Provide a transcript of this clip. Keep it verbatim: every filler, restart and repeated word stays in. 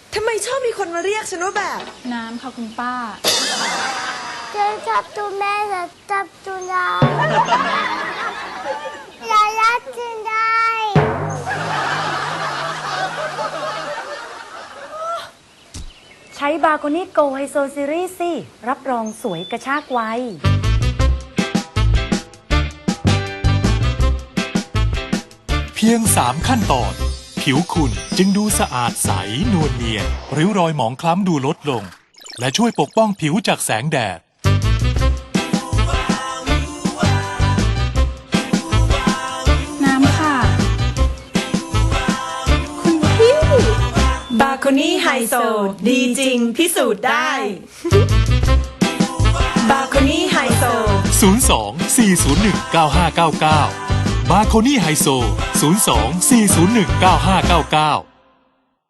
ทำไมชอบมีคนมาเรียกฉันว่าแบบน้ำค่ะคุณป้าจะจับตัวแม่จะจับตัวยายยายรักฉันได้ใช้บาโคนี่โกไฮโซซีรีส์สิ รับรองสวยกระชากไวเพียงสามขั้นตอน ผิวคุณจึงดูสะอาดใสนวลเนียนริ้วรอยหมองคล้ำดูลดลง และช่วยปกป้องผิวจากแสงแดดน้ำค่ะ คุณพี่บาโคนี่ไฮโซดีจริงพิสูจน์ได้ บาโคนี่ไฮโซศูนย์ สอง สี่ ศูนย์ หนึ่ง เก้า ห้า เก้า เก้า บาโคนี่ไฮโซ ศูนย์ สอง สี่ ศูนย์ หนึ่ง เก้า ห้า เก้า เก้า